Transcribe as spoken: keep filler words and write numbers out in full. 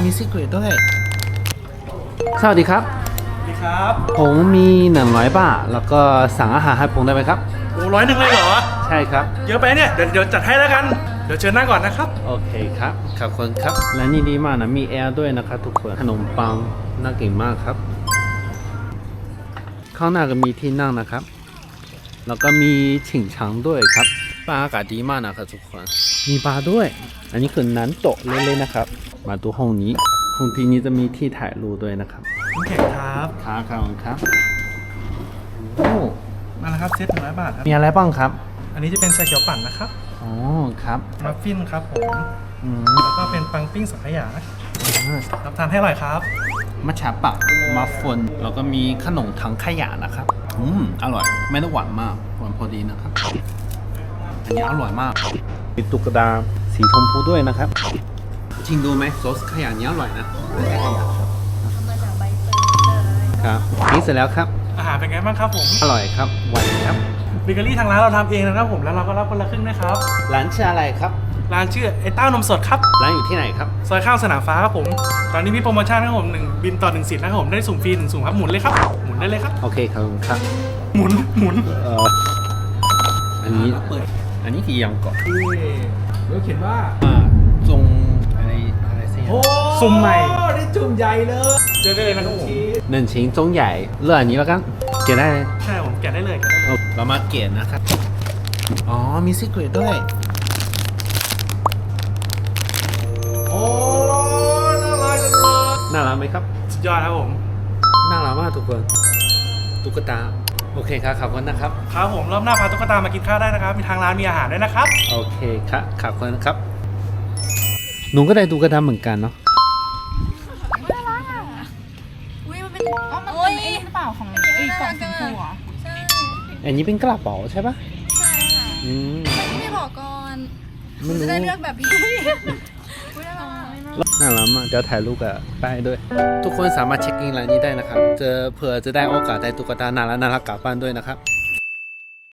มีซีเครตด้วยสวัสดีครับสวัสดีครับผมมีหนึ่งร้อยบาทแล้วก็สั่งอาหารให้ผมได้ไหมครับโอ้ร้อยหนึ่งเลยเหรอใช่ครับเยอะไปเนี่ยเดี๋ยวเดี๋ยวจัดให้แล้วกันเดี๋ยวเชิญนั่งก่อนนะครับโอเคครับขอบคุณครับและนี่ดีมากนะมีแอร์ด้วยนะครับทุกคนขนมปังน่ากินมากครับข้างหน้าก็มีที่นั่งนะครับแล้วก็มีฉิงชังด้วยครับบรรยากาศดีมากนะครับทุกคนมีบาร์ด้วยอันนี้คือน้ำโต๊ะเล่นๆนะครับมาดูห้องนี้ห้องที่นี้จะมีที่ถ่ายรูปด้วยนะครับโอเคครับครับครับครับโอ้มาแล้วครับเซตหนึ่งร้อยบาทครับมีอะไรบ้างครับอันนี้จะเป็นชาเขียวปั่นนะครับอ๋อครับมัฟฟินครับผมอืมแล้วก็เป็นปังปิ้งสังขยารับทานให้อร่อยครับมัทฉะปักมัฟฟินแล้วก็มีขนมถังขยะนะครับอืมอร่อยไม่ได้หวานมากหวานพอดีนะครับอันนี้อร่อยมากมีตุ๊กตาสีชมพูด้วยนะครับจริงดูไหมซอสขยะนี้อร่อยนะมาจากใบเตยครับนี่เสร็จแล้วครับอาหารเป็นไงบ้างครับผมอร่อยครับหวานครับเบเกอรี่ทางร้านเราทำเองนะครับผมแล้วเราก็รับคนละครึ่งนะครับร้านชื่ออะไรครับร้านชื่อไอ้เต้านมสดครับร้านอยู่ที่ไหนครับซอยข้างสนามฟ้าครับผมตอนนี้มีโปรโมชั่นครับผมหนึ่งบินต่อหนึ่งสิทธิ์นะครับผมได้สุ่มฟรีหนึ่งสุ่มครับหมุนเลยครับหมุนได้เลยครับโอเคครับครับหมุนหมุนเอ่ออันนี้อันนี้กี่ยังก่อนเราเขียนว่าจงอะไรอะไรสิสุ่มใหม่ได้จุ่มใหญ่เลยเจอได้เลยนะครับผมหนึ่งชิ้นจงใหญ่เลือกอันนี้แล้วกันเกะได้เลยใช่ผมแกะได้เลยเรามาเกะนะครับอ๋อมีซีเครตด้วยโอ้น่ารักจังเลยน่ารักไหมครับสุดยอดครับผมน่ารักมากทุกคนตุ๊กตาโอเคครับขอบคุณนะครับครับผมรอบหน้าพาตุ๊กตามากินข้าวได้นะครับมีทางร้านมีอาหารด้วยนะครับโอเคครับขอบคุณครับหนูก็ได้ตุ๊กตาเหมือนกันเนาะน่ารักอ่ะอุ้ยมันเป็นอ๋อมันเป็นไอ้หรือเปล่าของไอ้กล่องสีชมพูอ่ะใช่อันนี้เป็นกระเป๋าใช่ปะใช่ค่ะอืมไม่บอกก่อนไม่รู้จะได้เลือกแบบพี่น่ารักมากเดี๋ยวถ่ายรูปกับป้ายด้วยทุกคนสามารถเช็คอินร้านนี้ได้นะครับเจอเผื่อจะได้โอกาสได้ตุ๊กตาน่ารักน่ารักกลับบ้านด้วยนะครับ